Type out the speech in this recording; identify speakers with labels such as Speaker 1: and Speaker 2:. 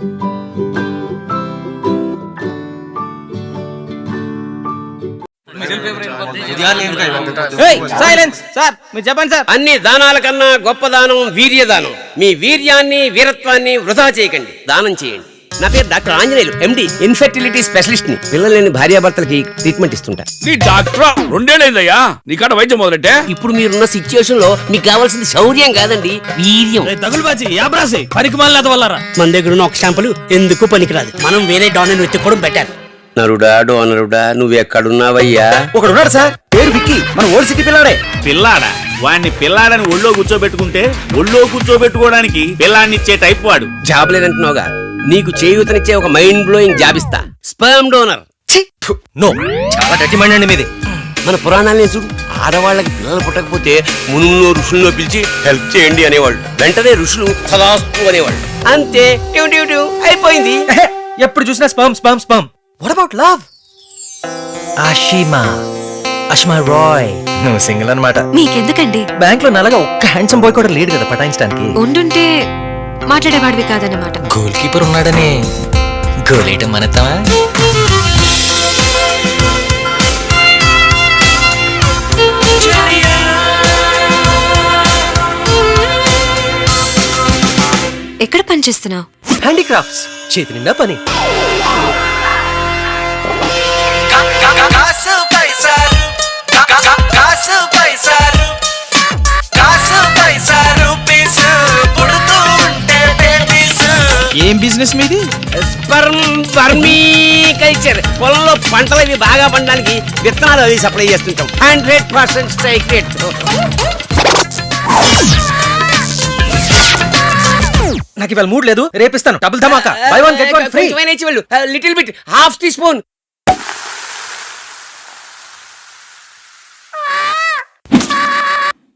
Speaker 1: Sir మీరు చెప్పండి sir.
Speaker 2: అన్ని దానాల కన్నా గొప్ప దానం వీర్యదానం. మీ వీర్యాన్ని వీరత్వాన్ని వృధా చేయకండి, దానం చేయండి. నా పేరు doctor Anjaneyulu, MD, infertility specialist ని. పిల్లలు లేని భార్యాభర్తలకి ట్రీట్మెంట్ ఇస్తుంటా.
Speaker 3: నీ డాక్టర్ 2 ఏళ్ళైందయ్యా నీకాడ వైద్యం మొదలెట్టే.
Speaker 2: ఇప్పుడు మీరున్న సిచ్యువేషన్ లో మీకు కావాల్సింది శౌర్యం కాదండి, వీర్యం.
Speaker 1: తగులుబాజీ యాబ్రాసి పనికి మళ్ళీ వల్లరా.
Speaker 4: మన దగ్గర ఉన్న ఒక షాంపులు ఎందుకు పనికిరాదు. మనం వేరే డాన్ వెతుక్కోవడం బెటర్.
Speaker 2: నరుడా డోనరుడా నువ్వెక్కడున్నావయ్యా?
Speaker 1: ఒకడున్నాడు సార్, పేరు విక్కీ, మన ఓల్డ్ సిటీ పిల్లాడే.
Speaker 3: పిల్లాడా? వాడిని పిల్లాడని ఒళ్ళో కూర్చోబెట్టుకుంటే ఒళ్ళో కూర్చోబెట్టుకోవడానికి పిల్లాడిని ఇచ్చే టైప్ వాడు.
Speaker 2: జాబ్ లేదంటున్నావుగా, నీకు చేయూతనిచ్చే ఒక మైండ్ బ్లోయింగ్ జాబ్ ఇస్తా. Sperm donor.
Speaker 1: నో, చాలా గట్టి మైండ్ అండి మీది.
Speaker 2: మన పురాణాలని చూడు, ఆడవాళ్ళకి పిల్లలు పుట్టకపోతే మునుల్లో ఋషుల్లో పిలిచి హెల్ప్ చేయండి అనేవాళ్ళు. వెంటనే ఋషులు సదాస్తు అనేవాళ్ళు. అంతే, ట్యూ ట్యూ ట్యూ అయిపోయింది.
Speaker 1: ఎప్పుడు చూసినా sperm sperm sperm. What about love? Ashima Roy, నువ్వు సింగిల్ అన్నమాట.
Speaker 5: మీకెందుకండి?
Speaker 1: బ్యాంక్ లో నల్లగా ఒక్క హ్యాండ్సమ్ బాయ్ కూడా లేడు కదా పటాయించడానికి.
Speaker 5: ఉండుంటే మాట్లాడేవాడివి కాదన్నమాట.
Speaker 1: గోల్ కీపర్ ఉన్నాడని గోలేయటం మనతావా?
Speaker 5: ఎక్కడ పని చేస్తున్నావు?
Speaker 1: హ్యాండీక్రాఫ్ట్స్, చేతి నిండా పని. ఏం బిజినెస్ మీది?
Speaker 2: Sperm vermiculture. పొలంలో పంటలు అవి బాగా పండడానికి విత్తనాలు అవి సప్లై చేస్తుంటాం. 100% స్ట్రైక్ రేట్.
Speaker 1: నాకు ఇవాళ మూడ్ లేదు, రేపిస్తాను. డబుల్ ధమాకా, buy one get one free.
Speaker 2: Little bit, half tea spoon.